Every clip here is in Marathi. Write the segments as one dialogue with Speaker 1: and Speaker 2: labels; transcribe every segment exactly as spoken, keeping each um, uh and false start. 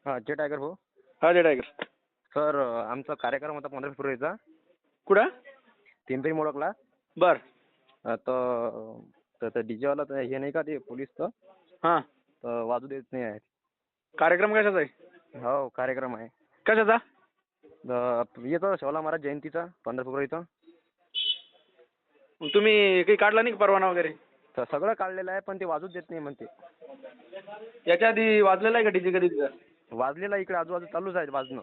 Speaker 1: हा जे टायगर भाऊ.
Speaker 2: हा जे टायगर.
Speaker 1: सर आमचा कार्यक्रम होता पंधरा फेब्रुवारीचा
Speaker 2: कुठं?
Speaker 1: पिंपरी मोडकला.
Speaker 2: बर.
Speaker 1: तर तर डीजेवाला तर हे नाही का ते पोलीसचं,
Speaker 2: हा.
Speaker 1: तर वाजू देत नाही आहे.
Speaker 2: कार्यक्रम कशाचा आहे?
Speaker 1: हो कार्यक्रम आहे.
Speaker 2: कशाचा?
Speaker 1: द- येतो शिवाला महाराज जयंतीचा पंधरा फेब्रुवारीचा.
Speaker 2: मग तुम्ही काही काढला नाही का परवाना वगैरे?
Speaker 1: तर सगळं काढलेलं आहे पण ते वाजूच देत नाही म्हणते.
Speaker 2: याच्या आधी वाजलेला आहे का डीजे कधी तिथं?
Speaker 1: वाजलेला इकडे आजूबाजू चालूच आहे वाजणं.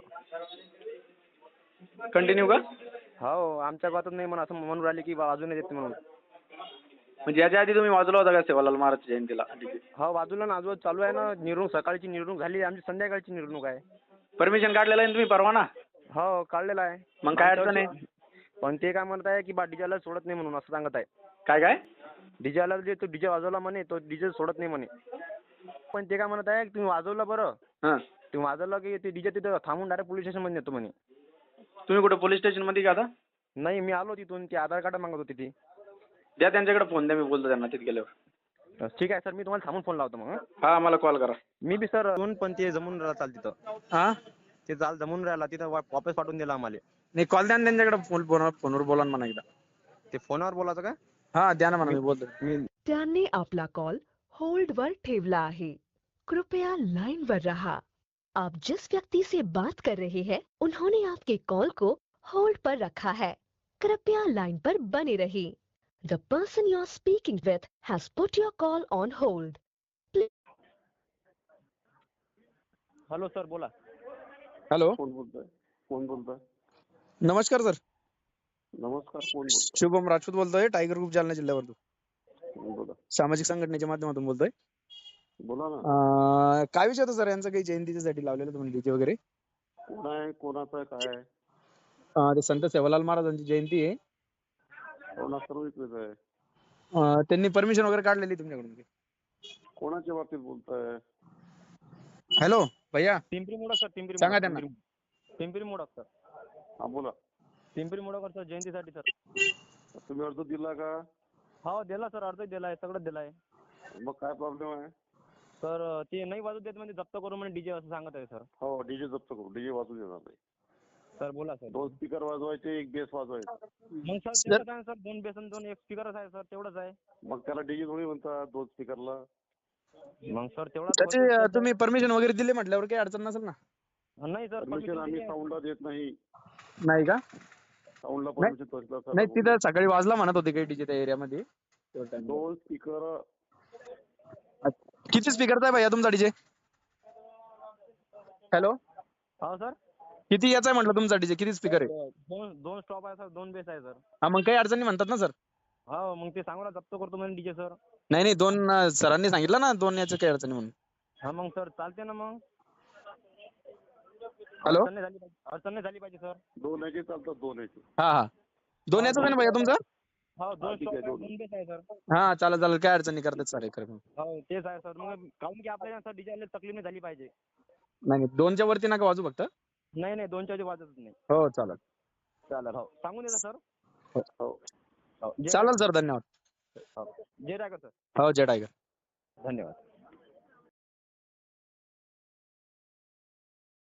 Speaker 2: कंटिन्यू का?
Speaker 1: हो आमच्या गावातच नाही म्हणून असं म्हणून राहिले की बा वाजू नाही देत म्हणून.
Speaker 2: म्हणजे याच्या आधी तुम्ही वाजवला होता का सेवालाल महाराज जयंतीला डीजे?
Speaker 1: हो बाजूला ना आजूबाजू चालू आहे ना. निवडणूक सकाळची निवडणूक झाली, आमची संध्याकाळची निवडणूक आहे.
Speaker 2: परमिशन काढलेलं आहे ना तुम्ही परवाना?
Speaker 1: हो काढलेला आहे.
Speaker 2: मग काय अडचण आहे?
Speaker 1: पण ते काय म्हणत आहे की बा डीजेला सोडत नाही म्हणून असं सांगत आहे.
Speaker 2: काय काय?
Speaker 1: डीजेला जे तो डीजे वाजवला म्हणे तो डीजे सोडत नाही म्हणे. पण ते काय म्हणत आहे की तुम्ही वाजवलं बरं,
Speaker 2: हां.
Speaker 1: तुम्ही वाजवलं की ते डीजे तिथं थांबून डायरेक्ट पोलीस स्टेशनमध्ये नेतो म्हणे.
Speaker 2: तुम्ही कुठं पोलीस स्टेशनमध्ये का आता?
Speaker 1: नाही मी आलो तिथून, ते आधार कार्ड मागत होती ती.
Speaker 2: द्या त्यांच्याकडे फोन द्या, मी बोलतो त्यांना तिथे गेल्यावर.
Speaker 1: ठीक आहे सर, मी तुम्हाला थांबून फोन लावतो मग. हं?
Speaker 2: हा मला कॉल करा.
Speaker 1: मी बी सर दोन पण ते जमून राहिला चाल तिथं.
Speaker 2: हा.
Speaker 1: ते चाल जमून राहिला तिथं वा- वापस पाठवून दिला आम्हाला.
Speaker 2: नाही कॉल द्या ना त्यांच्याकडे, फोन फोनवर फोनवर बोला ना म्हणा एकदा.
Speaker 1: ते फोनवर बोलायचं का?
Speaker 2: हा द्या ना म्हणा, मी बोलतो.
Speaker 1: मी
Speaker 3: त्यांनी आपला कॉल होल्डवर ठेवला आहे. कृपया लाइन पर रहा. आप जिस व्यक्ति से बात कर रहे हैं उन्होंने आपके कॉल को होल्ड पर रखा है. कृपया लाइन पर बने रहिए. The person you are speaking with has put your call on hold.
Speaker 1: Hello sir बोला.
Speaker 2: हॅलो.
Speaker 4: कोण बोलतोय? कोण बोलतोय?
Speaker 2: नमस्कार सर.
Speaker 4: नमस्कार. कोण बोलतोय?
Speaker 2: शुभम राजपूत बोलतोय, टायगर ग्रुप जालना जिल्ह्यावरून.
Speaker 4: बोला
Speaker 2: सामाजिक संघटनेच्या माध्यमातून बोलतोय.
Speaker 4: बोला ना.
Speaker 2: अं, काय विषय होता सर यांचं? काही जयंतीसाठी लावलेलं तुम्ही डीजे वगैरे?
Speaker 4: कोण आहे? कोणाचं आहे? काय आहे?
Speaker 2: अं, ते संत सेवालाल महाराजांची जयंती आहे.
Speaker 4: कोणा सर्व इकडेच आहे.
Speaker 2: अं, त्यांनी परमिशन वगैरे काढलेली तुमच्याकडून?
Speaker 4: कोणाच्या बाबतीत बोलताय?
Speaker 2: हॅलो भैया.
Speaker 1: पिंपरी मोडक सर. पिंपरी
Speaker 2: सांगा
Speaker 1: मोडक,
Speaker 2: त्यांना.
Speaker 1: पिंपरी- पिंपरी मोडक सर.
Speaker 4: हा बोला.
Speaker 1: पिंपरी मोडक सर जयंतीसाठी सर.
Speaker 4: तुम्ही अर्ज दिला का?
Speaker 1: हो दिला सर, अर्ज दिला आहे, सगळं दिलं आहे.
Speaker 4: मग काय प्रॉब्लेम आहे?
Speaker 1: सर ते नाही वाजू देत म्हणजे जप्त करू म्हणजे डीजे असं सांगत आहे सर.
Speaker 4: हो डीजे जप्त करू. डीजे वाजू देणार नाही.
Speaker 1: सर बोला सर.
Speaker 4: दोन स्पीकर वाजवायचे, एक बेस वाजवायचा.
Speaker 1: मग सर तेवढंच आहे सर, दोन बेसन दोन एक स्पीकरच आहे सर, तेवढंच आहे.
Speaker 4: मग त्याला डीजे थोडी म्हणतात दोन स्पीकरला.
Speaker 1: मग सर तेवढाच
Speaker 2: त्याची
Speaker 1: होतोय
Speaker 2: अं,
Speaker 1: सर.
Speaker 2: तुम्ही परमिशन वगैरे दिले म्हटल्यावर काही अडचण नसेल ना?
Speaker 1: नाही सर
Speaker 4: परमिशन आम्ही साऊंडला देत नाही.
Speaker 2: नाही का?
Speaker 4: साऊंडला परमिशन तहसीलदार
Speaker 2: नाही,
Speaker 4: साहेब
Speaker 2: तिथं सकाळी वाजला म्हणत होते काही डीजे त्या एरियामध्ये.
Speaker 4: दोन स्पीकर.
Speaker 2: किती स्पीकरचा आहे भैया तुमचा डीजे? हॅलो.
Speaker 1: हो सर.
Speaker 2: किती याचा आहे म्हटलं तुमचा डीजे? किती स्पीकर आहे?
Speaker 1: दोन दोन स्टॉप आहे सर, दोन बेस आहे सर.
Speaker 2: हा मग काही अडचणी म्हणतात ना सर?
Speaker 1: हो मग ते सांगू ना जप्त करतो म्हणजे डीजे सर.
Speaker 2: नाही नाही, दोन अं, सरांनी सांगितलं ना दोन याच्या काही अडचणी म्हणून.
Speaker 1: हा मग सर चालते ना मग.
Speaker 2: हॅलो.
Speaker 1: अडचण नाही झाली पाहिजे, अडचण नाही झाली पाहिजे सर.
Speaker 4: दोन याचे चालतात. दोन याचे.
Speaker 2: हा हा, दोन याचाच आहे ना भैया तुमचा?
Speaker 1: हो दोन
Speaker 4: ठीक
Speaker 1: स्टॉप
Speaker 4: आहे,
Speaker 1: आहे,
Speaker 4: दोन.
Speaker 1: दोन बेस आहे सर.
Speaker 2: हा चालेल चालेल, काय अडचणी करतात सर. खरं
Speaker 1: हो तेच आहे सर. मग काहून की आपल्याला सर डीजे तकलीफ नाही झाली पाहिजे.
Speaker 2: नाही नाही, दोनच्या वरती नका वाजू फक्त.
Speaker 1: नाही नाही दोनच्या आधी वाजतच नाही.
Speaker 2: हो चालेल.
Speaker 1: चालेल हो सांगून देता सर.
Speaker 4: हो.
Speaker 1: हो जय
Speaker 2: चालेल
Speaker 1: टायगर.
Speaker 2: सर, धन्यवाद.
Speaker 1: हो जय टायगर सर.
Speaker 2: हो जय टायगर.
Speaker 1: धन्यवाद.